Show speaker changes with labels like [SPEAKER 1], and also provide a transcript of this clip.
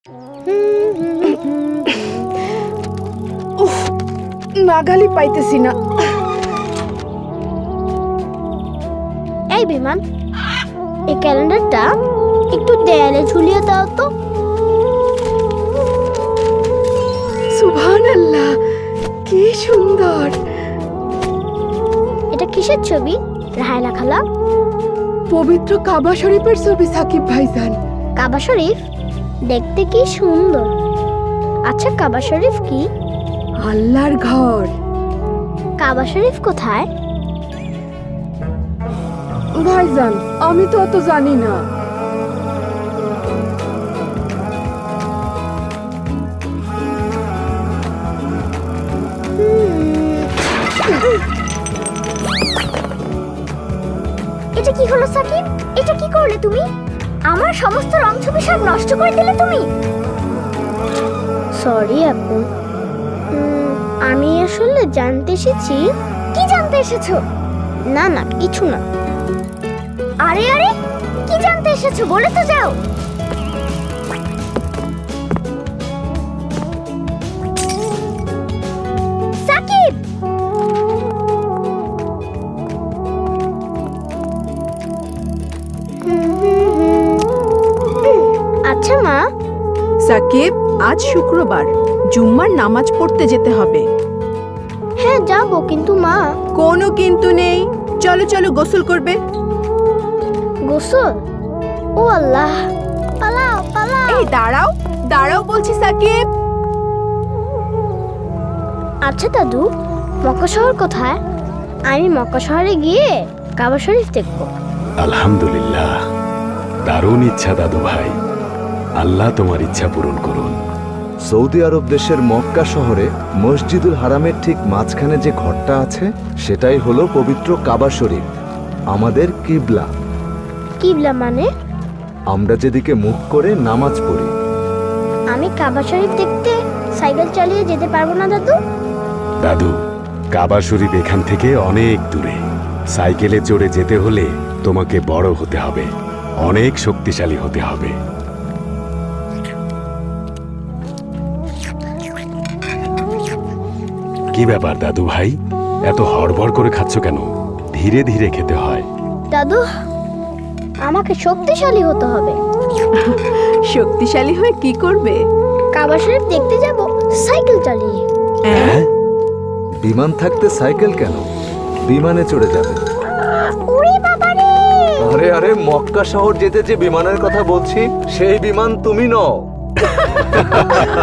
[SPEAKER 1] উফ, নাগালি পাইতেছি না।
[SPEAKER 2] এই বিমান, এই ক্যালেন্ডারটা একটু দেয়ালে ঝুলিয়ে দাও তো।
[SPEAKER 1] সুবহানাল্লাহ, কি সুন্দর।
[SPEAKER 2] এটা কিসের ছবি রাহাইলা খালা?
[SPEAKER 1] পবিত্র কাবা শরীফের ছবি সাকিব ভাইজান।
[SPEAKER 2] কাবা শরীফ দেখতে কি সুন্দর। আচ্ছা, কাবা শরীফ কি?
[SPEAKER 1] আল্লাহর ঘর।
[SPEAKER 2] কাবা শরীফ কোথায়?
[SPEAKER 1] ভাইজান, আমি তো অত জানি না।
[SPEAKER 2] এটা কি হলো সাকিব? এটা কি করলে তুমি? আমার সমস্ত রং ছবি সব নষ্ট করে দিলে তুমি। সরি আপু, আমি আসলে জানতে এসেছি। কি জানতে এসেছো? না না, কিছু না। আরে আরে, কি জানতে এসেছো বলে তো যাও। সাকিব, আচ্ছা মা।
[SPEAKER 1] সাকিব, আজ শুক্রবার, জুম্মার নামাজ পড়তে যেতে হবে।
[SPEAKER 2] হ্যাঁ যাবো, কিন্তু মা।
[SPEAKER 1] কোনো কিন্তু নেই, চলো চলো গোসল করবে।
[SPEAKER 2] গোসল? ও আল্লাহ, পালাও পালাও।
[SPEAKER 1] এই দাঁড়াও দাঁড়াও বলছি সাকিব।
[SPEAKER 2] আচ্ছা দাদু, মক্কা শহর কোথায়? আমি মক্কা শহরে গিয়ে কাবা শরীফ দেখবো।
[SPEAKER 3] আলহামদুলিল্লাহ, দারুণ ইচ্ছা দাদু ভাই। আল্লাহ তোমার ইচ্ছা পূরণ করুন।
[SPEAKER 4] সৌদি আরব দেশের মক্কা শহরে মসজিদুল হারামের ঠিক মাঝখানে যে ঘরটা আছে, সেটাই হলো পবিত্র কাবা শরীফ, আমাদের কিবলা।
[SPEAKER 2] কিবলা মানে?
[SPEAKER 4] আমরা যেদিকে মুখ করে নামাজ পড়ি।
[SPEAKER 2] আমি কাবা শরীফ দেখতে সাইকেল চালিয়ে যেতে পারবো না দাদু?
[SPEAKER 3] দাদু, কাবা শরীফ এখান থেকে অনেক দূরে। সাইকেলে চড়ে যেতে হলে তোমাকে বড় হতে হবে, অনেক শক্তিশালী হতে হবে। কি ব্যাপার দাদু ভাই, এত হড়বড় করে খাচ্ছ কেন? ধীরে ধীরে খেতে হয়।
[SPEAKER 2] দাদু, আমাকে শক্তিশালী হতে হবে।
[SPEAKER 1] শক্তিশালী হয়ে কি করবে?
[SPEAKER 2] কাবা শরীফ দেখতে যাব সাইকেল চালিয়ে।
[SPEAKER 3] হ্যাঁ?
[SPEAKER 4] বিমান থাকতে সাইকেল কেন? বিমানে চড়ে যাবে।
[SPEAKER 2] ওরে বাবারে!
[SPEAKER 4] আরে আরে, মক্কা শহর যেতে যে বিমানের কথা বলছি, সেই বিমান তুমি নও।